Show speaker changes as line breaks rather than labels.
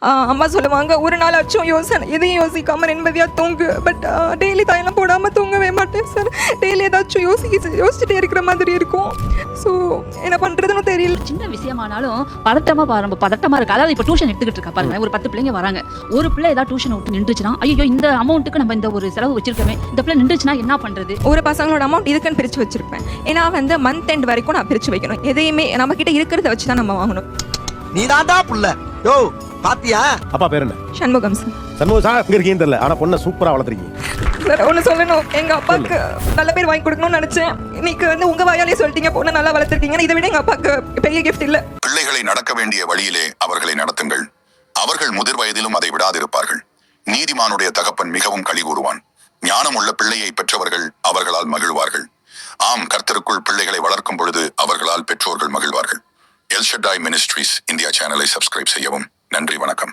அம்மா சொல்லுவாங்க, ஒரு நாள் ஆச்சும் எதையும் யோசிக்காமல் நிம்மதியாக தூங்கு. பட் டெய்லி தைலம் போடாமல் தூங்கவே மாட்டேன் சார். டெய்லி ஏதாச்சும் யோசிச்சுட்டே இருக்கிற மாதிரி இருக்கும். ஸோ என்ன பண்ணுறதுன்னு தெரியல.
சின்ன விஷயமானாலும் பதட்டமாக இருக்கு. அதாவது இப்போ டியூஷன் எடுத்துக்கிட்டு இருக்கா பாருங்க, ஒரு 10 பிள்ளைங்க வராங்க. ஒரு பிள்ளை ஏதாவது டியூஷன் விட்டு நின்றுச்சுன்னா, ஐயோ இந்த அமௌண்ட்டுக்கு நம்ம இந்த ஒரு செலவு வச்சிருக்கோமே, இந்த பிள்ளை நின்றுச்சுன்னா என்ன பண்ணுறது?
ஒரு பசங்களோட அமௌண்ட் இதுக்குன்னு பிரித்து வச்சிருப்பேன். ஏன்னா மந்த் எண்ட் வரைக்கும் நான் பிரித்து வைக்கணும். எதையுமே நம்ம கிட்ட இருக்கிறத வச்சு தான் நம்ம வாங்கணும்.
நீ தாண்டா புள்ள. யோ பாத்தியா?
அப்பா பேர் என்ன?
சண்முகம் சார்.
சண்முகம் சார் எங்க இருக்கீங்கன்னு தெரியல, ஆனா பொண்ணை சூப்பரா வளர்த்துருக்கீங்க
சார். ஒன்று சொல்லணும், எங்க அப்பாவுக்கு நல்ல பேர் வாங்கி கொடுக்கணும்னு நினைச்சேன். இன்னைக்கு உங்க வாயாலே சொல்லிட்டீங்க, பொண்ணை நல்லா வளர்த்துருக்கீங்க. இதை விட எங்க அப்பாவுக்கு பெரிய கிஃப்ட் இல்ல.
பிள்ளைகளை நடக்க வேண்டிய வழியிலே அவர்களை நடத்துங்கள். அவர்கள் முதிர் வயதிலும் அதை விடாதிருப்பார்கள். நீதிமானுடைய தகப்பன் மிகவும் களி கூறுவான். ஞானம் உள்ள பிள்ளையை பெற்றவர்கள் அவர்களால் மகிழ்வார்கள். ஆம், கர்த்தருக்குள் பிள்ளைகளை வளர்க்கும் பொழுது அவர்களால் பெற்றோர்கள் மகிழ்வார்கள். எல் ஷடாய் மினிஸ்ட்ரீஸ் இந்தியா சேனலை சப்ஸ்கிரைப் செய்யவும். நன்றி, வணக்கம்.